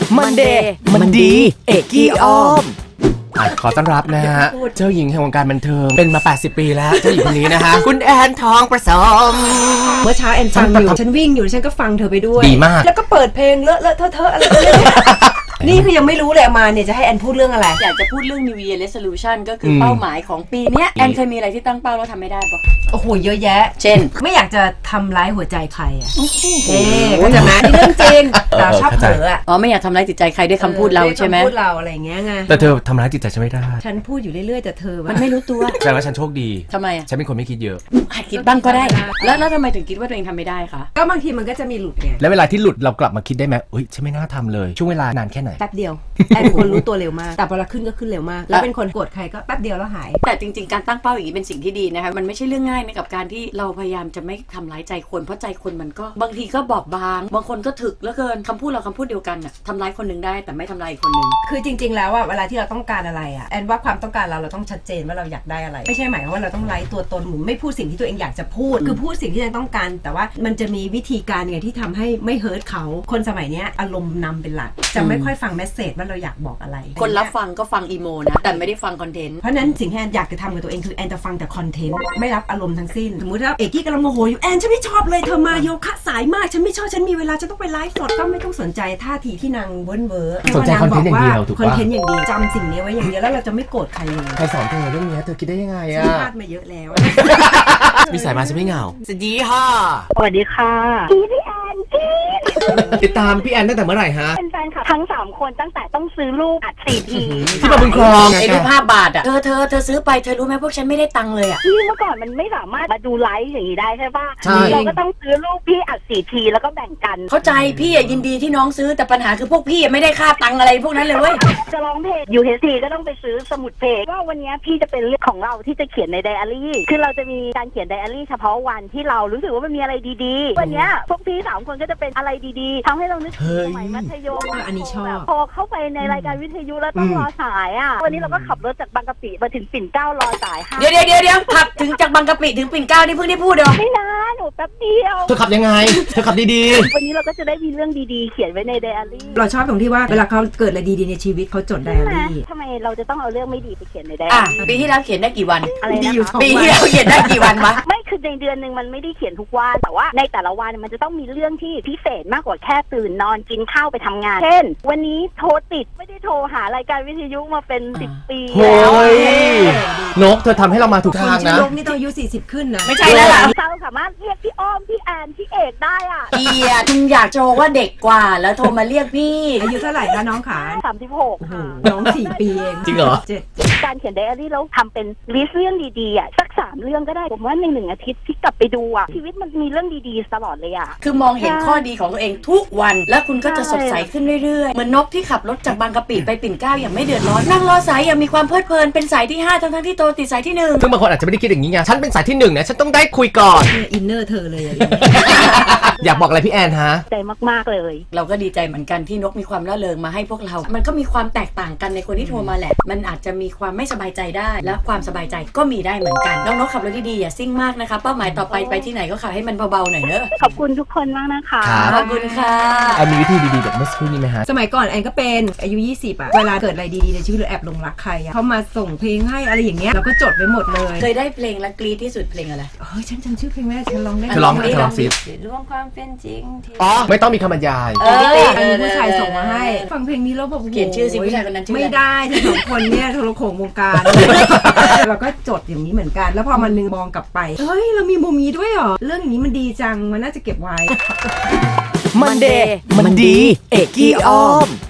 มันเดย์มันดีเอกกี้อ้อมขอต้อนรับนะฮะเจ้าหญิงแห่งวงการบันเทิงเป็นมา80ปีแล้วเจ้าหญิงคนนี้นะฮะคุณแอนทองประสมเมื่อเช้าแอนฟังอยู่ฉันวิ่งอยู่ฉันก็ฟังเธอไปด้วยดีมากแล้วก็เปิดเพลงเลอะเทอะอะไรนี่คือยังไม่รู้เลยมาเนี่ยจะให้แอนพูดเรื่องอะไรอยากจะพูดเรื่อง New Year Resolution ก็คือเป้าหมายของปีนี้แอนเคยมีอะไรที่ตั้งเป้าแล้วทำไม่ได้ปะโอ้โหเยอะแยะเช่นไม่อยากจะทำร้ายหัวใจใครอ่ะก็จะมานี่เรื่องจริงแต่ชอบเผลออ่ะไม่อยากทำร้ายจิตใจใครด้วยคำพูดเราใช่ไหมคำพูดเราอะไรอย่างเงี้ยไงแต่เธอทำร้ายจิตใจฉันไม่ได้ฉันพูดอยู่เรื่อยๆแต่เธอมันไม่รู้ตัวแสดงว่าฉันโชคดีทำไมอ่ะฉันเป็นคนไม่คิดเยอะคิดบ้างก็ได้แล้วทำไมถึงคิดว่าตัวเองทำไม่ได้คะก็บางทีมันก็จะมีหลุดไงแล้วเวลาที่หลุดเรากลับมาคิดได้ไหมฉันไม่น่าทำเลยช่วงเวลานานแค่ไหนแป๊บเดียวแอนเป็นคนรู้ตัวเร็วมากแต่พอเราขึ้นก็ขึ้นเร็วมากแล้วเป็นคนโกรธใครก็แป๊บเดียวแล้วหายแต่จริงๆการตั้งเป้าอย่างนี้เป็นสิ่งที่ดีนะคะมันไม่ใช่เรื่องง่ายในกับการที่เราพยายามจะไม่ทำร้ายใจคนเพราะใจคนมันก็บางทีก็บอบบางบางคนก็ถึกแล้วเกินคำพูดเราคำพูดเดียวกันน่ะทำร้ายคนนึงได้แต่ไม่ทำร้ายอีกคนนึงคือจริงๆแล้วอ่ะเวลาที่เราต้องการอะไรอ่ะแอนว่าความต้องการเราต้องชัดเจนว่าเราอยากได้อะไรไม่ใช่หมายความว่าเราต้องไร้ตัวตนหรือไม่พูดสิ่งที่ตัวเองอยากจะพูดคือพูดสิ่งที่เราต้องการแต่ว่ามันจะมีวิธีการไงที่ทำให้ไม่เฮิร์ตเขาคนสมัยนี้อารมณ์นำเป็นหลักจะไม่ค่อยฟังเมสเสจว่าเราอยากบอกอะไรคนรับฟังก็ฟังอีโมนะแต่ไม่ได้ฟังคอนเทนต์เพราะนั้นสิ่งที่แอนอยากจะทำกับตัวเองคือแอนจะฟังแต่คอนเทนต์ไม่รับอารมณ์ทั้งสิ้นสมมติว่าเอกกี้กำลังโมโหอยู่แอนฉันไม่ชอบเลยเธอมาโยคะสายมากฉันไม่ชอบฉันมีเวลาจะต้องไปไลฟ์สดก็ไม่ต้องสนใจท่าทีที่นางเว้อสนใจคอนเทนต์อย่างเดียวถูกป่ะคอนเทนต์อย่างเดียวจำสิ่งนี้ไว้อย่างเดียวแล้วเราจะไม่โกรธใครเลยใครสอนเธอเรื่องนี้เธอคิดได้ยังไงอ่ะพลาดมาเยอะแล้วมีสายมาฉันไม่เหงาสวัสดีค่ะสวัสดีค่ะพี่แอนติดตามพี่แอนตั้งแต่เมื่อไหร่ฮะเป็นแฟนคลับทั้ง3คนตั้งแต่ต้องซื้อรูปอัด4 ทีที่มาบุญครองไอ้รูป5 บาทอ่ะเธอซื้อไปเธอรู้ไหมพวกฉันไม่ได้ตังค์เลยอ่ะที่เมื่อก่อนมันไม่สามารถมาดูไลฟ์อย่างนี้ได้ใช่ป่ะเราก็ต้องซื้อรูปพี่อัด4 ทีแล้วก็แบ่งกันเข้าใจพี่ยินดีที่น้องซื้อแต่ปัญหาคือพวกพี่ไม่ได้ค่าตังค์อะไรพวกนั้นเลยเว้ยจะร้องเพลง UHT ก็ต้องไปซื้อสมุดเพลงว่าวันนี้พี่จะเป็นเรื่องของเราที่จะเขียนในไดอารี่คือเราจะมีการเขียนไดอารี่เฉพาะวันที่เรารู้สึกว่ามันมีอะไรดีๆวันนี้พวกพี่3 คนก็จะเป็นอะไรดีๆทำให้เรานึกถึงสมัยมัธยมอันนี้ชอบพอเข้าไปในรายการวิทยุแล้วต้องรอสายอ่ะวันนี้เราก็ขับรถจากบางกะปิมาถึงปิ่นเกล้ารอสายเดี๋ยวขับถึงจากบางกะปิถึงปิ่นเกล้านี่เพิ่งได้พูดเหรอไม่นานหนูแป๊บเดียวเธอขับยังไงเธอขับดีๆวันนี้เราก็จะได้มีเรื่องดีๆเขียนไว้ในไดอารี่เราชอบตรงที่ว่าเวลาเขาเกิดอะไรดีๆในชีวิตเขาจดไดอารี่ทำไมเราจะต้องเอาเรื่องไม่ดีไปเขียนในไดอารี่ปีที่แล้วเขียนได้กี่วันอะไรนะคะปีที่แล้วเขียนได้กี่วันวะไม่คือในเดือนนึงมันไม่ได้เขียนทุกวันแต่ว่าในแต่ละวันมันจะต้องมีเรื่องที่พิเศษมากกว่าแค่ตื่นนอนกินข้าวไปทำงานเช่นวันนี้โทรติดไม่ได้โทรหารายการวิทยุมาเป็น10 ปีแล้วนกเธอทำให้เรามาถูกทางนะนกนี่ต้องอายุ40ขึ้นนะไม่ใช่แล้วล่ะเราสามารถเรียกพี่อ้อมพี่แอนพี่เอกได้อ่ะคุณอยากโชว์ว่าเด็กกว่าแล้วโทรมาเรียกพี่อายุเท่าไหร่คะน้องขา 36ค่ะน้อง4 ปีเองจริงเหรอการเขียนไดอารี่แล้วทำเป็นลิสต์เรื่องดีๆอ่ะสัก3 เรื่องก็ได้ผมว่าใน1 อาทิตย์ที่กลับไปดูอ่ะชีวิตมันมีเรื่องดีๆตลอดเลยอ่ะคือมองเห็นข้อดีของตัวเองทุกวันแล้วคุณก็จะสดใสขึ้นเรื่อยๆเหมือนนกที่ขับรถจากบางกะปิไปปิ่นเกล้าอย่างไม่เดือดร้อนนั่งรอสายอย่างมีความเพลิดเพลินเป็นสายที่5ทั้งที่โตติดสายที่1 ซึ่งบางคนอาจจะไม่ได้คิดอย่างนี้ไงฉันเป็นสายที่1นะฉันต้องได้คุยก่อนอินเนอร์เธอเลยอยากบอกอะไรพี่แอนฮะใจมากๆเลยเราก็ดีใจเหมือนกันที่นกมีความร่าเริงมาให้พวกเรามันก็มีความแตกต่างกันในคนที่โทรมาแหละมันอาจจะมีความไม่สบายใจได้และความสบายใจก็มีได้เหมือนกันน้องนกขับรถดีๆอย่าซิ่งมากนะคะเป้าหมายต่อไปที่ไหนก็ขับให้มันเบาๆหน่อยเนอะขอบคุณทุกคนมากนะคะขอบคุณค่ะมีวิธีดีๆแบบเมื่อสักครู่นี้ไหมฮะสมัยก่อนแอนก็เป็นอายุ20อ่ะเวลาเกิดอะไรดีๆในชีวิตหรือแอบหลงรักใครเขามาส่งเพลงให้อะไรอย่างเงี้ยเราก็จดไว้หมดเลยเคยได้เพลงและกรี๊ดที่สุดเพลงอะไรฉันจำชื่อเพลงไม่ได้ฉันร้องได้ร้องซิร่วมความเป็นจริงไม่ต้องมีคำบรรยายผู้ชายส่งมาให้ฟังเพลงนี้แล้วแบบเขียนชื่อสิผู้ชายคนนั้นชื่อไม่ได้ทั้ง2 คนเนี่ยโทรโข่งวงการเราก็จดอย่างนี้เหมือนกันแล้วพอมันนึงมองกลับไปเฮ้ยเรามีมุมนี้ด้วยเหรอเรื่องอย่างนี้มันดีจังมันน่าจะเก็บไว้มันเดย์มันดีเอกกี้อ้อม